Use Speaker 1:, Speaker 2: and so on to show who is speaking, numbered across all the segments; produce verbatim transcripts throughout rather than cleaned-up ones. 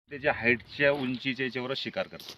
Speaker 1: त्याच्या हाईटच्या उंचीच्या याच्यावर शिकार करतो.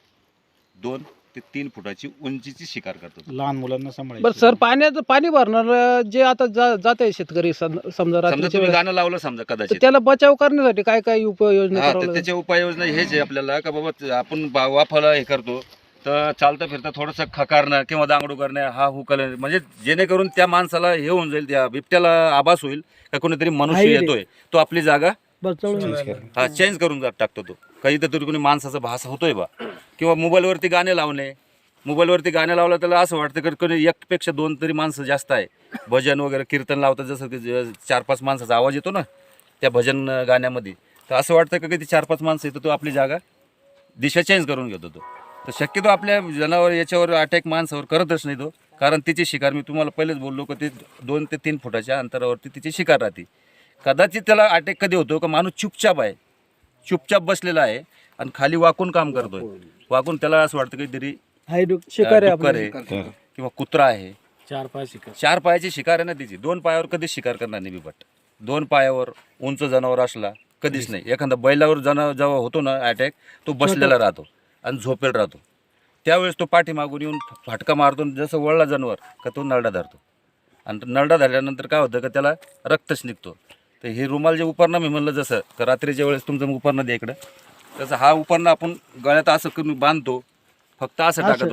Speaker 1: दोन ते तीन फुटाची उंचीची शिकार करतो.
Speaker 2: लहान मुलांना सांभाळायचं.
Speaker 3: बरं सर, पाण्याचं पाणी भरणार जे आता जा जात आहे शेतकरी सम- समजा
Speaker 1: समजा
Speaker 3: रात्रीच्या
Speaker 1: तुम्ही
Speaker 3: वेळेस,
Speaker 1: गाणं लावलं समजा
Speaker 3: तर
Speaker 1: कदाचित,
Speaker 3: त्याला बचाव करण्यासाठी काय काय उपाययोजना
Speaker 1: हा
Speaker 3: करावं
Speaker 1: तर
Speaker 3: लागेल?
Speaker 1: त्याच्या उपाययोजना हेच आहे आपल्याला का बाबा आपण बा- वाफाला हे करतो तर चालता फिरता थोडंसं खकारणं किंवा दांगडू करणं, हा हुकल, म्हणजे जेणेकरून त्या माणसाला हे होऊन जाईल, त्या बिबट्याला आभास होईल का कोणीतरी मनुष्य
Speaker 3: आहे रे.
Speaker 1: येतोय, तो आपली जागा
Speaker 3: बचावून
Speaker 1: हा चेंज करून जा- टाकतो. तो काही तर कोणी माणसाचा भास होतोय बा. किंवा मोबाईलवरती गाणे लावणे, मोबाईलवरती गाणे लावलं त्याला असं वाटतं की कोणी एकपेक्षा दोन तरी माणसं जास्त आहे. भजन वगैरे कीर्तन लावतात, जसं की ज- चार पाच माणसाचा आवाज येतो ना त्या भजन गाण्यामध्ये, तर असं वाटतं का की ती चार पाच माणसं येतो, तो आपली जागा दिशा चेंज करून घेतो. तो तर शक्यतो आपल्या जनावर याच्यावर अटॅक माणसावर करतच नाही तो, कारण तिची शिकार मी तुम्हाला पहिलेच बोललो की ते दोन ते तीन फुटाच्या अंतरावरती तिची शिकार राहते. कदाचित त्याला अटॅक कधी होतो का माणूस चुपचाप आहे, चुपचाप बसलेला आहे आणि खाली वाकून काम करतोय, वाकून त्याला असं वाटतं काहीतरी
Speaker 3: शिकार आहे
Speaker 1: डुक्कर
Speaker 3: आपलं.
Speaker 1: आहे किंवा कुत्रा आहे.
Speaker 2: चार पाय शिकार.
Speaker 1: चार पायाची शिकार आहे ना तिची, दोन पायावर कधीच शिकार करणार नाही बिबट. दोन पायावर उंच जनावर असला कधीच नाही. एखादा बैलावर जनावर जेव्हा होतो ना अटॅक, तो बसलेला राहतो आणि झोपेल राहतो. त्यावेळेस तो पाठीमागून येऊन फाटका मारतो, जसं वळला जनावर का तो नरडा धरतो, आणि नरडा धरल्यानंतर काय होतं का त्याला रक्तच निघतो. तर हे रुमाल जे उपरणं मी म्हणलं, जसं का रात्रीच्या वेळेस तुमचं उपरणं दे इकडं, तसं हा उपरणं आपण गळ्यात असं करून बांधतो, फक्त असं टाकतो.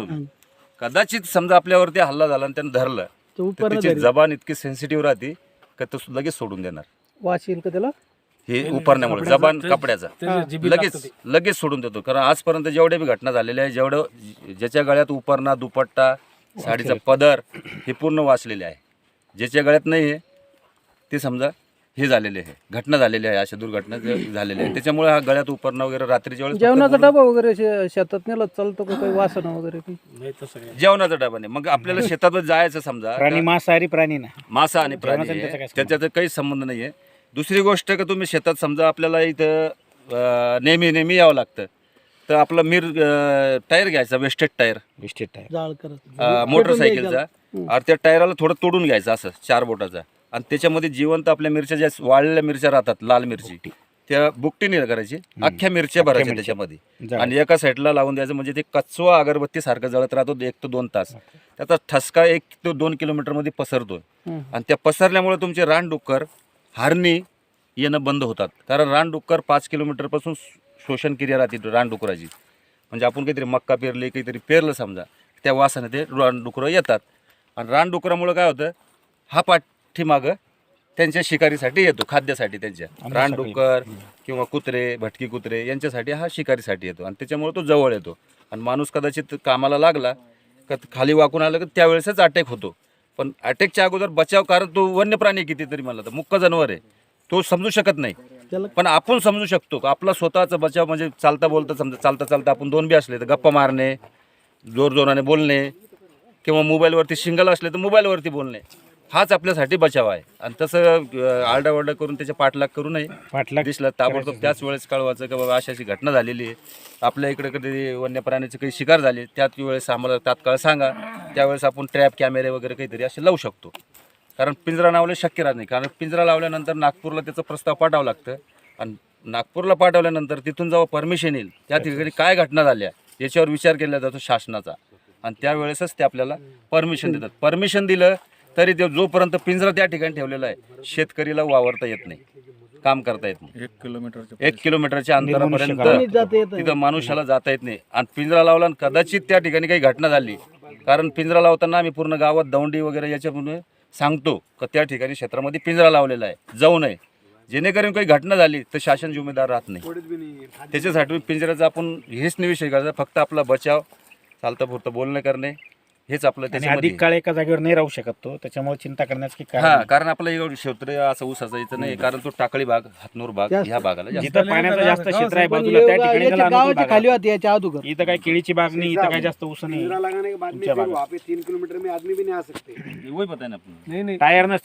Speaker 1: कदाचित समजा आपल्यावरती हल्ला झाला आणि त्यानं धरलं
Speaker 3: तो
Speaker 1: तर
Speaker 3: उपरणं
Speaker 1: तिची
Speaker 3: धरेल.
Speaker 1: जबान इतकी सेन्सिटिव्ह राहते का तो लगेच सोडून देणार.
Speaker 3: वास येईल का त्याला?
Speaker 1: हे उपरण्यामुळे जबान कपड्याचा लगेच लगेच सोडून देतो. कारण आजपर्यंत जेवढ्या बी घटना झालेल्या आहे, जेवढं ज्याच्या गळ्यात उपरणा, दुपट्टा, साडीचा पदर हे पूर्ण वाचलेले आहे. ज्याच्या गळ्यात नाही आहे ते समजा हे झालेले आहे, घटना झालेली आहे, अशा दुर्घटना जे झालेल्या आहे. त्याच्यामुळे हा गळ्यात उपरणं वगैरे रात्रीच्या वेळेस
Speaker 3: जेवणाचा
Speaker 1: फक्त
Speaker 3: डबा वगैरे शे- शेतात नेला चालतो का? काही वासना वगैरे काही?
Speaker 2: नाही तसं काय.
Speaker 1: जेवणाचा डबा नाही. मग आपल्याला शेतात जायचं समजा,
Speaker 2: प्राणी मांसाहारी प्राणी ना.
Speaker 1: मासा आणि प्राणी
Speaker 2: जेवणाचा आणि त्याचा काय
Speaker 1: आहे,
Speaker 2: संबंध?
Speaker 1: त्याच्यात काही संबंध नाही आहे. दुसरी गोष्ट का तुम्ही शेतात समजा आपल्याला इथं अं, नेहमी नेहमी यावं लागतं, तर आपला मिर अं, टायर घ्यायचा, वेस्टेड टायर
Speaker 2: विस्टेट आहे.
Speaker 3: जाळ करत
Speaker 1: अं, मोटरसायकलचा, आणि त्या टायराला थोडं तोडून घ्यायचं असं चार बोटाचा, आणि त्याच्यामध्ये जिवंत आपल्या मिरच्या ज्या वाळलेल्या मिरच्या राहतात, लाल मिरची, त्या बुकटीने करायची, अख्ख्या मिरच्या भरायच्या
Speaker 2: मिरच्या.
Speaker 1: त्याच्यामध्ये,
Speaker 2: जाळ.
Speaker 1: आणि एका साईडला लावून द्यायचं. म्हणजे ते कचवा अगरबत्ती सारखं जळत राहतो एक ते दोन तास. त्याचा ठसका एक ते दोन किलोमीटरमध्ये पसरतो,
Speaker 3: हं.
Speaker 1: आणि त्या पसरल्यामुळे तुमचे रानडुक्कर, हरणी येणं बंद होतात. कारण रानडुक्कर पाच किलोमीटरपासून शोषण क्रिया राहते रानडुकराची. म्हणजे आपण काहीतरी मक्का पेरली, काहीतरी पेरलं समजा, त्या वासाने ते रानडुकरं येतात, आणि रानडुकरामुळे काय होतं, हा पाठीमागं त्यांच्या शिकारीसाठी येतो, खाद्यासाठी त्यांच्या. रानडुक्कर किंवा कुत्रे, भटकी कुत्रे यांच्यासाठी हा शिकारीसाठी येतो, आणि त्याच्यामुळे तो जवळ येतो. आणि माणूस कदाचित कामाला लागला का खाली वाकून आलं का त्यावेळेसच अटॅक होतो. पण अटॅकच्या अगोदर बचाव, कारण तो वन्य प्राणी कितीतरी म्हणला तर मुक्क जनावर आहे, तो समजू शकत नाही.
Speaker 3: त्याला
Speaker 1: पण आपण समजू शकतो का आपला स्वतःचा बचाव. म्हणजे चालता बोलता समजा, चालता चालता आपण दोन बी असले तर गप्पा मारणे, जोर जोराने बोलणे, किंवा मोबाईलवरती शिंगल असले तर मोबाईलवरती बोलणे, हाच आपल्यासाठी बचाव आहे. आणि तसं आरडाओरडा करून त्याच्या पाठलाग करू नये.
Speaker 2: पाठलाग
Speaker 1: दिसलं ताबडतोब त्याच वेळेस कळवायचं की बाबा अशी अशी घटना झालेली आहे, आपल्या इकडे कधी वन्य प्राण्याची काही शिकार झाली, त्याच वेळेस आम्हाला तात्काळ सांगा. त्यावेळेस आपण ट्रॅप कॅमेरे वगैरे काहीतरी असे लावू शकतो. कारण पिंजरा लावले शक्य राहत नाही, कारण पिंजरा लावल्यानंतर नागपूरला त्याचा प्रस्ताव पाठवावा लागतं, आणि नागपूरला पाठवल्यानंतर तिथून जेव्हा परमिशन येईल, त्या ठिकाणी काय घटना झाल्या याच्यावर विचार केला जातो शासनाचा, आणि त्यावेळेसच ते आपल्याला परमिशन देतात. परमिशन दिलं तरी ते जोपर्यंत पिंजरा त्या ठिकाणी ठेवलेला आहे, शेतकरीला वावरता येत नाही, काम करता येत नाही.
Speaker 2: एक किलोमीटर
Speaker 1: एक किलोमीटरच्या
Speaker 3: कोणीच
Speaker 1: अंतरापर्यंत
Speaker 3: जाता येत नाही.
Speaker 1: तिथं मनुष्याला जाता येत नाही. आणि पिंजरा लावला आणि कदाचित त्या ठिकाणी काही घटना झाली, कारण पिंजरा लावताना आम्ही पूर्ण गावात दौंडी वगैरे याच्यामुळे सांगतो का त्या ठिकाणी क्षेत्रामध्ये पिंजरा लावलेला आहे, जाऊ नये. जेणेकरून काही घटना झाली तर शासन जिम्मेदार राहत नाही. त्याच्यासाठी पिंजऱ्याचा आपण हेच नाही विषय करायचा, फक्त आपला बचाव, चालतं पुरतं बोलणं करणे, हेच आपलं
Speaker 2: आणि
Speaker 1: त्याच्यामध्ये.
Speaker 2: अधिक काळ एका जागेवर नाही राहू शकत तो, त्याच्यामुळे चिंता करण्याचं की
Speaker 1: हा,
Speaker 2: कारण
Speaker 1: कारण आपला एवढं क्षेत्र असं ऊसाचं इथं नाही, कारण तो टाकळी भाग, हातनूर भाग
Speaker 3: जास्त.
Speaker 1: ह्या भागाला जास्त.
Speaker 2: जिथं पाण्याचं जास्त क्षेत्र आहे
Speaker 3: पण
Speaker 2: बाजूला, त्या
Speaker 3: एवढा-
Speaker 2: ठिकाणी
Speaker 3: याच्या
Speaker 2: त्याला अनुकूल
Speaker 3: गावाच्या
Speaker 2: बाग
Speaker 3: खाली
Speaker 2: आहे.
Speaker 3: होती याच्या अगोदर.
Speaker 2: इथं काय केळीची बाग नाही, इथं काय जास्त ऊस नाही.
Speaker 4: लगाने के बाद में
Speaker 2: तुमच्या
Speaker 4: फिर
Speaker 2: बागात.
Speaker 4: वहाँ पे तीन किलोमीटर में आदमी भी नहीं आ सकते.
Speaker 1: वही पता है ना आपण.
Speaker 3: नाही नाही
Speaker 2: टायर नसते